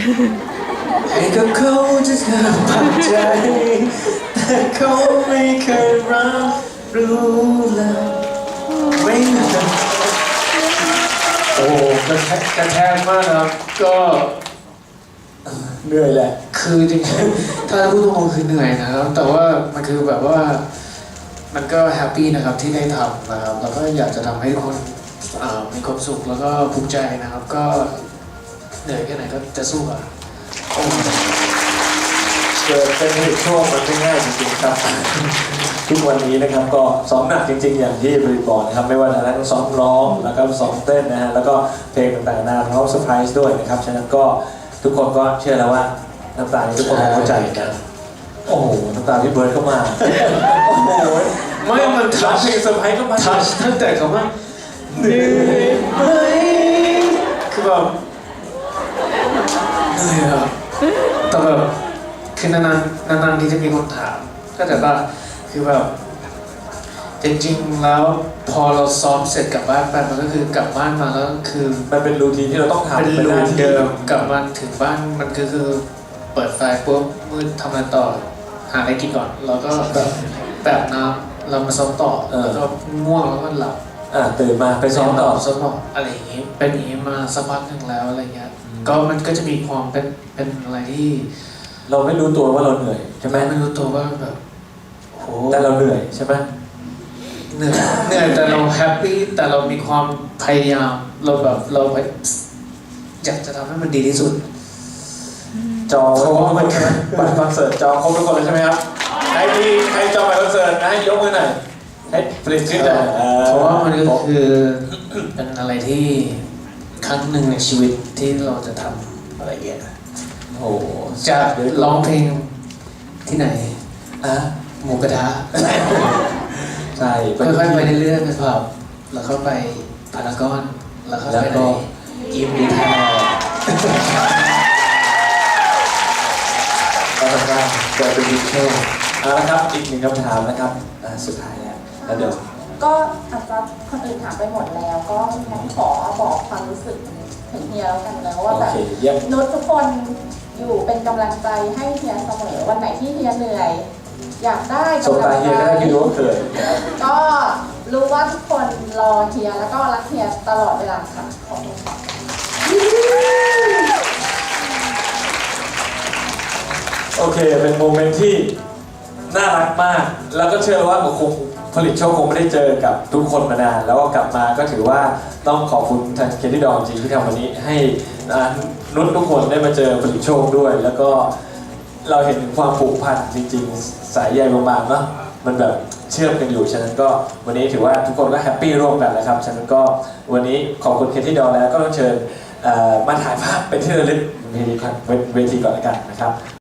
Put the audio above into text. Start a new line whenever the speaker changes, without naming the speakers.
ให้กับเขาจะเธอปักใจแต่เขาไม่เคยรับรู้เลยไม่โอ้กระแทกมากนะครับก็เหนื่อยแหละคือจริงๆถ้าพูดตรงๆคือเหนื่อยนะครับแต่ว่ามันคือแบบว่ามันก็แฮปปี้นะครับที่ได้ทำนะครับแล้วก็อยากจะทำให้คนมีความสุขแล้วก็ภูมิใจนะครับก็เหนื่อยแค่ไหนก็จะสู้อ่ะ
เกิดเป็นเหตุช่วงมันไม่ง่ายจริงๆครับทุกวันนี้นะครับก็ซ้อมหนักจริงๆอย่างที่บริบอกนะครับไม่ว่าจะทั้งซ้อมร้องแล้วก็ซ้อมเต้นนะฮะแล้วก็เพลงต่างๆนานาพร้อมเซอร์ไพรส์ด้วยนะครับฉะนั้นก็ทุกคนก็เชื่อแล้วว่าน้ำตาทุกคนเข้าใจกันโอ้โหน้ำตาที่เบิร์ดเข้ามาโอ้โห
ไม่มัน
ทัชเพลงเซอร์ไพรส์ก็มา
ทัชตั้งแต่เขาว่าเหนื่อยไหมคือแบบเหนื่อยอะแต่แบบคือนานๆที่จะมีคนถามก็แต่ว่าคือแบบจริงๆแล้วพอเราซ้อมเสร็จกลับบ้านไปมันก็คือกลับบ้านมาแล้วคือ
มันเป็นรูทีนที่เราต้องทำ
เป็นรูทีนเดิมกลับมาถึงบ้านมันคือเปิดไฟปุ๊บมืดทำงานต่อหาอะไรกินก่อนแล้วก็แบบน้ำเรามาซ้อมต่อแล้วก็ง่วงแล้วก็หลับ
ตื่นมาไปซ้อมต่อ
อะไรอย่างนี้เป็นอย่างนี้มาสักพักหนึ่งแล้วอะไรเงี้ยก็มันก็จะมีความเป็นอะไรที่
เราไม่รู้ตัวว่าเราเหนื่อยใช่ไหม
ไม่รู้ตัวว่าแบบโห
แต่เราเหนื่อยใช่ไหม
เหนื่อยแต่เราแฮปปี้แต่เรามีความพยายามเราอยากจะทำให้มันดีที่สุด
จองเพราะว่ามันบัตรคอนเสิร์ตจองครบทุกคนเลยใช่ไหมครับใครจองบัตรคอนเสิร์ตให้ยกมือหน่อยให้ผลิตขึ้นหน่อย
เพราะว่ามันก็คือเป็นอะไรที่ครั้งหนึ่งในชีวิตที่เราจะทำอะไรอย่างเงี้ย
โอ้
จะร้องเพลงที่ไหนหมูกระทะ
ใช่
ค่อยๆไปเรื่อยๆไปผับแล้วเข้าไปพารากอนแล้วเข้าไปในยิมดีแทน
ก็ทำงานเกิดเป็นวิชวลละครับอีกหนึ่งคำถามนะครับสุดท้ายแล้วเดี๋ยว
ก็อาจจะคนอื่นถามไปหมดแล้วก็งั้นขอบอกความรู้สึกถึงเฮียแล้วกันนะว่าแบบนุชทุกคนอยู่เป็นกำลังใจให้เฮียเสมอวันไหนที่เฮียเหนื่อยอยากได้
กำลังใจ
ก็รู้ว่าทุกคนรอเฮียแล้วก็รักเฮียตลอดเวลาค่ะขอบคุณค่ะ
โอเคเป็นโมเมนต์ที่น่ารักมากแล้วก็เชื่อว่าคงผลิตโชคคงไม่ได้เจอกับทุกคนมานานแล้วก็กลับมาก็ถือว่าต้องขอบคุณทางเคที่ดองจริงที่ทำวันนี้ให้นุชทุกคนได้มาเจอผลิตโชคด้วยแล้วก็เราเห็นถึงความผูกพันจริงๆสายใยบางๆเนาะมันแบบเชื่อมกันอยู่ฉะนั้นก็วันนี้ถือว่าทุกคนก็แฮปปี้ร่วมกันนะครับฉะนั้นก็วันนี้ขอบคุณเคที่ดองแล้วก็ต้องเชิญมาถ่ายภาพเป็นที่ระลึกเวทีก่อนแล้วกันนะครับ